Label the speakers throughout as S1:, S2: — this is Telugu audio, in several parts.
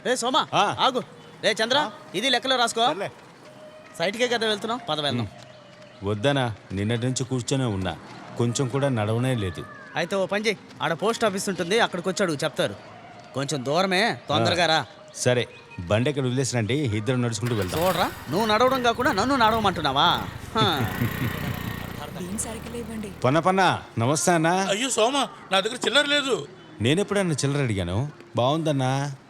S1: రే సోమా
S2: ఆ.
S1: ఆగు. రే చంద్ర ఇది లెక్కలో రాసుకో.
S2: సర్లే.
S1: సైట్కే కదా వెళ్తున్నావు, పద వెళ్దాం.
S2: వద్దనా, నిన్నటి నుంచి కూర్చొనే ఉన్నా, కొంచెం కూడా నడవనే లేదు.
S1: అయితే ఓ పని చేయి, ఆడ పోస్ట్ ఆఫీస్ ఉంటుంది, అక్కడికి వచ్చి అడుగు చెప్తారు. కొంచెం దూరమే, తొందరగా రా.
S2: సరే, బండి ఎక్కడ వదిలేసినండి, ఇద్దరు నడుచుకుంటూ వెళ్దాం.
S1: చూడరా, నువ్వు నడవడం కాకుండా నన్ను నడవమంటున్నావా? హా.
S2: పన్న నమస్తే అన్నా.
S3: అయ్యో సోమ, నా దగ్గర చిల్లర లేదు.
S2: నేనెప్పుడన్నా చిల్లర అడిగాను? బాగుందన్నా.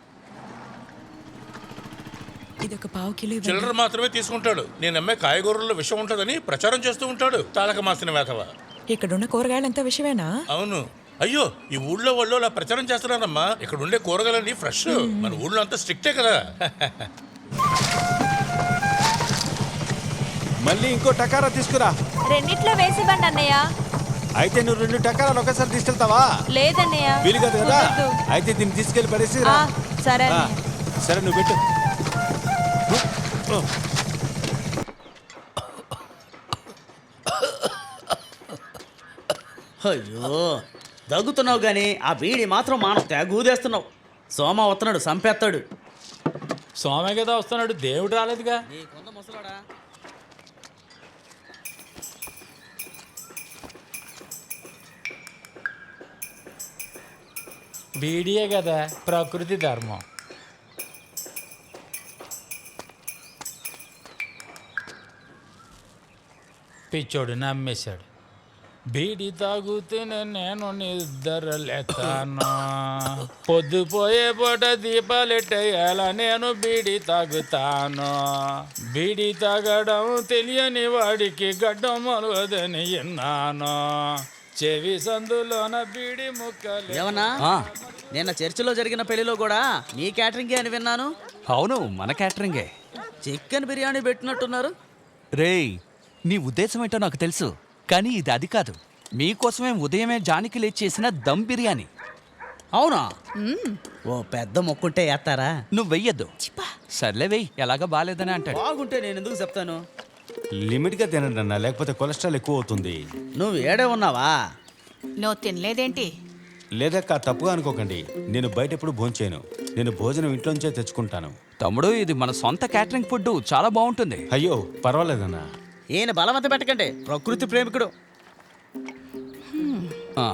S4: ఇదొక పావు కిలో ఇవ్వండి.
S3: చిల్లర మాత్రమే తీసుకుంటాడు. నేను అమ్మే కాయగూరల్లో విషం ఉంటుందని ప్రచారం చేస్తూ ఉంటాడు. తాళక మాసిన వేతవ.
S4: ఇక్కడున్న కూరగాయలంతా విషమేనా?
S3: అవును. అయ్యో, ఈ ఊళ్ళో వాళ్ళు అలా ప్రచారం చేస్తున్నారమ్మా. ఇక్కడ ఉండే కూరగాయలన్నీ ఫ్రెష్. మన ఊళ్ళో అంతా స్ట్రిక్టే కదా.
S2: మళ్ళీ ఇంకో టకారా తీసుకురా.
S5: రెండిట్లో వేసివ్వండి అన్నయ్య.
S2: అయితే నువ్వు 2 టకారాలు ఒకసారి తీసుకెళ్తావా?
S5: లేదన్నయ్య,
S2: వీలు కాదు కదా.
S5: కుదరదు.
S2: అయితే దీన్ని తీసుకెళ్లి పడేసి రా.
S5: సరే
S2: ఆ,
S5: అన్నయ్య.
S2: సరే నువ్వు పెట్టు.
S1: అయ్యో దగ్గుతున్నావు కానీ ఆ బీడి మాత్రం మానం తెగూదేస్తున్నావు. సోమ వస్తున్నాడు, సంపేస్తాడు.
S6: సోమే కదా వస్తున్నాడు, దేవుడు రాలేదుగా.
S1: నీకుంద ముసలాడా.
S6: బీడియే కదా ప్రకృతి ధర్మం. పిచ్చోడు నమ్మేశాడు. బీడి తాగుతూనే నేను నిద్రలేతాను. పొద్దుపోయే పూట దీపాలెట్టేయాల నేను బీడి తాగుతాను. బీడి తాగడం తెలియని వాడికి గడ్డం మొలవదని విన్నాను. చెవి సందులోన బీడి ముక్కలు.
S1: ఏమన్నా నిన్న చర్చిలో జరిగిన పెళ్లిలో కూడా మీ క్యాటరింగే అని విన్నాను.
S7: అవును, మన క్యాటరింగే.
S1: చికెన్ బిర్యానీ పెట్టినట్టున్నారు.
S7: రేయ్, నీ ఉద్దేశం ఏంటో నాకు తెలుసు, కానీ ఇది అది కాదు. మీకోసమే ఉదయమే జానికి లేచి చేసిన దమ్ బిర్యానీ.
S1: అవునా? ఓ పెద్ద మొక్కుంటే వేస్తారా?
S7: నువ్వు వెయ్యొద్దు. సర్లే వెయ్యి, ఎలాగ బాగాలేదని అంటాడు.
S1: బాగుంటే నేను ఎందుకు చెప్తాను.
S2: లిమిట్గా తినండి అన్న, లేకపోతే కొలెస్ట్రాల్ ఎక్కువ అవుతుంది.
S1: నువ్వు ఏడే ఉన్నావా?
S5: నువ్వు తినలేదేంటి?
S2: లేదక్క, తప్పుగా అనుకోకండి. నేను బయట ఎప్పుడు భోంచేయను. నేను భోజనం ఇంట్లోంచే తెచ్చుకుంటాను.
S7: తమ్ముడు, ఇది మన సొంత క్యాటరింగ్ ఫుడ్, చాలా బాగుంటుంది.
S2: అయ్యో పర్వాలేదన్నా.
S1: ఈయన బలవంత పెట్టకండి, ప్రకృతి ప్రేమికుడు.
S7: ఆ,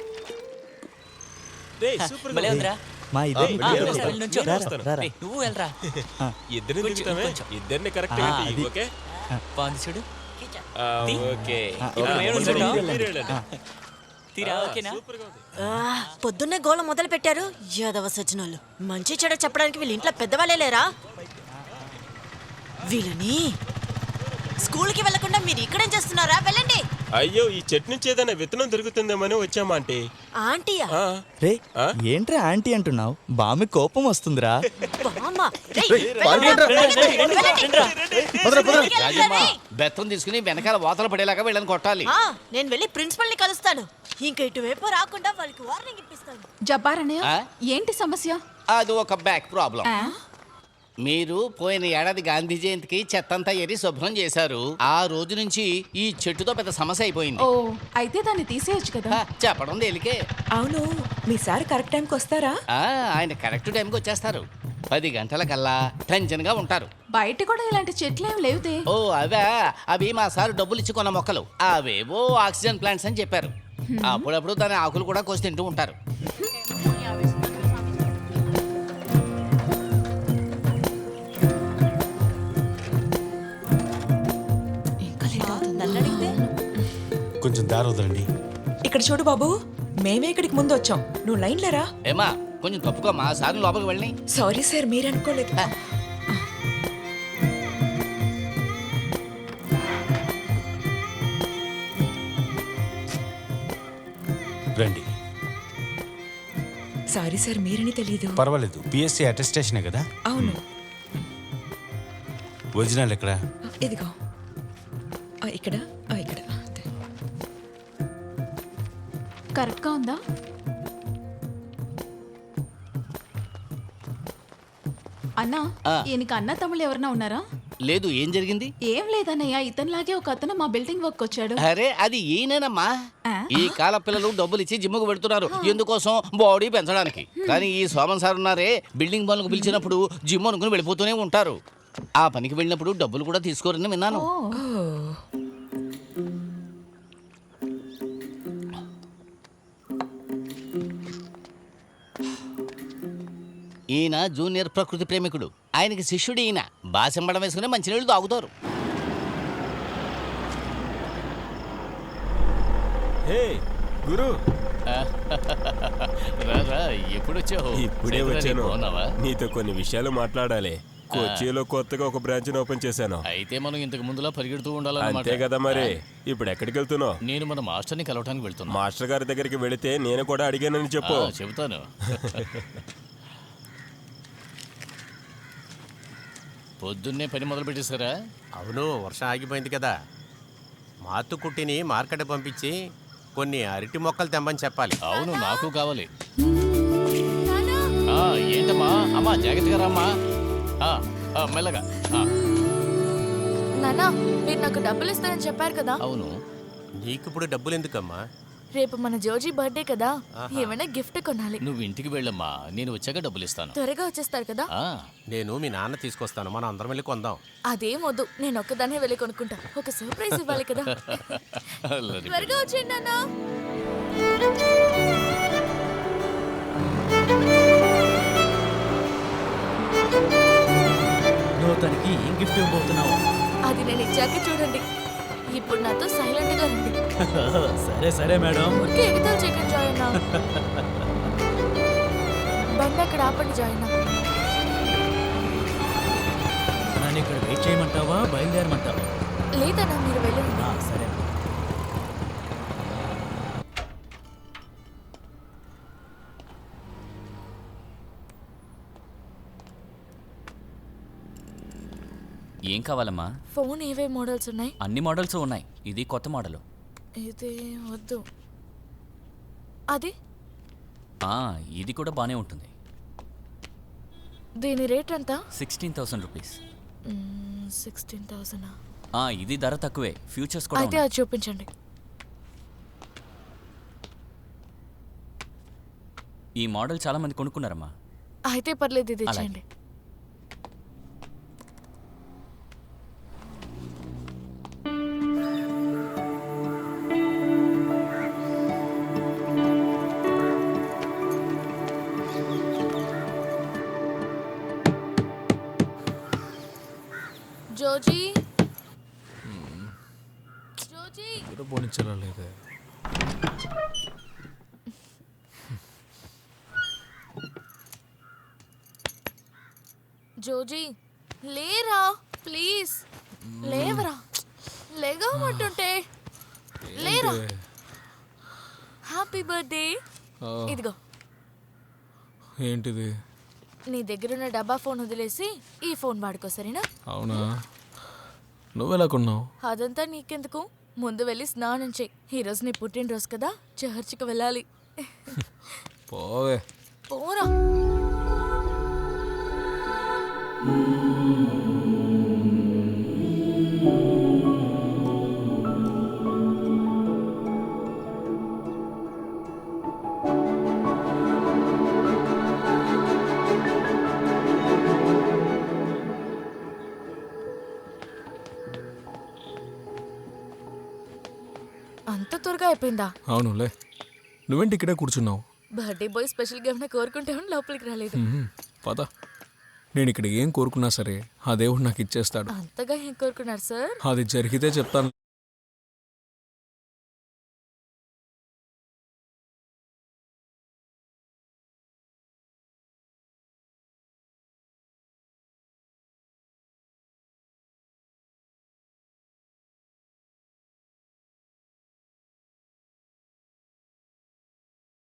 S8: నువ్వు వెళ్ళరా. ఇద్దరిని కరెక్ట్ ఓకే బాగుంది చూడు. ఓకే
S5: పొద్దున్నే గోళ మొదలు పెట్టారు యాదవ సజ్జనాలు. మంచి చెడ చెప్పడానికి వీళ్ళ ఇంట్లో పెద్దవాళ్ళే లేరా? వీళ్ళని స్కూల్కి వెళ్లకుండా మీరు ఇక్కడేం చేస్తున్నారా? వెళ్ళండి.
S8: అయ్యో, ఈ చెట్టు నుంచి ఏదైనా విత్తనం దొరుకుతుందేమని వచ్చామా ఆంటీ.
S5: ఆంటీయా?
S9: రే, ఏంట్రా ఆంటీ అంటున్నావు? బామి కోపం వస్తుందిరా.
S5: బామ్మ, రేయ్,
S1: బెత్తం తీసుకుని వెనకాల వాతలు పడేలాగా వీళ్ళని కొట్టాలి.
S5: నేను వెళ్ళి ప్రిన్సిపల్ ని కలుస్తాను. ఇంక ఇటువైపు రాకుండా వాళ్ళకి వార్నింగ్ ఇప్పిస్తాను.
S4: జబ్బార్ అన్నయ్య, ఏంటి సమస్య?
S1: అది ఒక బ్యాక్ ప్రాబ్లం. మీరు పోయిన ఏడాది గాంధీ జయంతికి చెత్తంతా ఎరి శుభ్రం చేశారు. ఆ రోజు నుంచి ఈ చెట్టుతో పెద్ద సమస్య అయిపోయింది.
S4: ఓ, అయితే దాన్ని తీసేయచ్చు కదా.
S1: చెప్పడం తేలికే.
S4: అవును, మీ సార్ కరెక్ట్ టైంకి వస్తారా?
S1: ఆయన కరెక్ట్ టైంకి వచ్చేస్తారు. 10 గంటలకల్లా టెన్షన్ గా ఉంటారు.
S4: బయట కూడా ఇలాంటి చెట్లు ఏం లేవుతే.
S1: ఓ అవే, అవి మా సార్ డబ్బులు ఇచ్చి కొన్న మొక్కలు. అవేవో ఆక్సిజన్ ప్లాంట్స్ అని చెప్పారు. అప్పుడప్పుడు దాని ఆకులు కూడా కోసి తింటూ ఉంటారు.
S2: కొంచెం దారి వదలండి.
S4: ఇక్కడ చూడు బాబు, మేమే ఇక్కడికి ముందు వచ్చాం, నువ్వు లైన్ లేరా.
S1: ఏమా కొంచెం తప్పుకో, మా సార్ లోపలికి వెళ్ళి.
S4: సారీ సార్, మీరు అనుకోలేదు.
S2: రండి.
S4: సారీ సార్, మీరని తెలీదు.
S2: పర్వాలేదు, పిఎస్సి అటెస్టేషనే కదా.
S4: అవును.
S2: ఒరిజినల్ ఎక్కడ?
S4: ఇదిగో ఇక్కడ ఇక్కడ. కరెక్ట్గా ఉందా? అన్నా, ఈయనకి అన్న తమ్ముళ్ళు ఎవరన్నా ఉన్నారా?
S1: లేదు, ఏం జరిగింది?
S10: ఏం లేదన్నయ్య, ఇతనిలాగే ఒక అతను మా బిల్డింగ్ వర్క్ వచ్చాడు.
S1: అరే అది ఈయనేనమ్మా. ఈ కాల పిల్లలు డబ్బులు ఇచ్చి జిమ్ముకు పెడుతున్నారు, ఎందుకోసం? బాడీ పెంచడానికి. కానీ ఈ సోమన్ సార్ ఉన్నారే, బిల్డింగ్ పనులకు పిలిచినప్పుడు జిమ్ అనుకుని వెళ్ళిపోతూనే ఉంటారు. ఆ పనికి వెళ్ళినప్పుడు డబ్బులు కూడా తీసుకోరని విన్నాను. ఈయన జూనియర్ ప్రకృతి ప్రేమికుడు. ఆయనకి శిష్యుడు ఈయన. బాసెంబడం వేసుకుని మంచినీళ్ళు తాగుతారు.
S8: గురు
S1: రారా, ఎప్పుడు వచ్చావు?
S8: ఇప్పుడే వచ్చాను. నీతో కొన్ని విషయాలు మాట్లాడాలి. కొచ్చిలో కొత్తగా ఒక బ్రాంచ్ ఓపెన్ చేశాను.
S1: అయితే మనం ఇంతకు ముందులా పరిగెడుతూ
S8: అంతే
S1: ఉండాలన్నమాట.
S8: కదా మరి. ఇప్పుడు ఎక్కడికి వెళ్తున్నావు?
S1: నేను మన మాస్టర్ని కలవటానికి వెళ్తున్నా.
S8: మాస్టర్ గారి దగ్గరికి వెళితే నేను కూడా అడిగానని చెప్పు.
S1: చెబుతాను. పొద్దున్నే పని మొదలు పెట్టేశారా?
S11: అవును, వర్షం ఆగిపోయింది కదా. మాతు కుట్టిని మార్కెట్ పంపించి కొన్ని అరటి మొక్కలు తెమ్మని చెప్పాలి.
S1: అవును, నాకు కావాలి. ఏంటమ్మా? అమ్మా జాగ్రత్తగా రామ్మా. మెల్లగా.
S10: నానా, మీరు నాకు డబ్బులు ఇస్తారని చెప్పారు కదా.
S1: అవును.
S11: నీకు ఇప్పుడు డబ్బులు ఎందుకమ్మా?
S10: రేపు మన జోజీ బర్త్డే కదా, ఏమైనా గిఫ్ట్ కొనాలి.
S1: నువ్వు ఇంటికి వెళ్ళమ్మా, నేను వచ్చాక డబ్బులు ఇస్తాను.
S10: త్వరగా వచ్చేస్తారు కదా.
S11: నేను మీ నాన్న తీసుకొస్తాను, మనం అందరం వెళ్ళి కొందాం.
S10: అదేం వద్దు, నేను ఒక్కదాన్నే వెళ్ళి కొనుక్కుంటా. ఒక సర్ప్రైజ్ ఇవ్వాలి కదా. త్వరగా వచ్చేయండి నాన్నా.
S9: నువ్వు తనకి ఏం గిఫ్ట్ ఇవ్వబోతున్నావు?
S10: అది నేను ఇచ్చాక చూడండి. ఇప్పుడు నాతో సైలెంట్ గా రండి.
S9: సరే సరే మేడం.
S10: ఊరికే ఎగతాలు చేయకండి జాయిన్. బండి అక్కడ ఆపండి జాయిన్.
S9: నన్ను ఇక్కడ వెయిట్ చేయమంటావా, బయలుదేరమంటావా?
S10: లేదన్నా, మీరు వెళ్ళండి.
S9: సరే.
S7: ఏం కావాలమ్మా?
S10: ఫోన్ ఏవే మోడల్స్ ఉన్నాయి?
S7: అన్ని మోడల్స్ ఉన్నాయి. ఇది కొత్త మోడల్.
S10: ఇది వద్దు. అది
S7: ఇది కూడా బానే ఉంటుంది.
S10: దీని రేట్ ఎంత?
S7: 16,000 రూపీస్.
S10: 16,000.
S7: ఇది ధర తక్కువే, ఫ్యూచర్స్ కూడా
S10: అయితే అది చూపించండి.
S7: ఈ మోడల్ చాలా మంది కొనుక్కున్నారమ్మా.
S10: అయితే పర్లేదు, ఇది ఇచ్చేయండి. జోజీ, జోజీ
S6: పోనిచ్చలేదు.
S10: జోజీ లేరా, ప్లీజ్ లేవరా. లేగమంటుంటే లేరా. Happy birthday. ఇదిగో.
S6: ఏంటిది?
S10: నీ దగ్గరున్న డబ్బా ఫోన్ వదిలేసి ఈ ఫోన్ వాడుకో, సరేనా?
S6: అవునా? నువ్వెలా కొన్నావు?
S10: అదంతా నీకెందుకు, ముందు వెళ్ళి స్నానం చేయి. ఈరోజు నీ పుట్టినరోజు కదా, చర్చికి వెళ్ళాలి.
S6: పోవే.
S10: పోరా. అంత త్వరగా అయిపోయిందా?
S6: అవునులే. నువ్వేంటి ఇక్కడే కూర్చున్నావు?
S10: బర్త్డే బాయ్ స్పెషల్గా ఏమైనా కోరుకుంటే లోపలికి రాలేదు.
S6: పద. నేను ఇక్కడ ఏం కోరుకున్నా సరే ఆ దేవుడు నాకు ఇచ్చేస్తాడు.
S10: అంతగా ఏం కోరుకున్నారు సార్?
S6: అది జరిగితే చెప్తాను.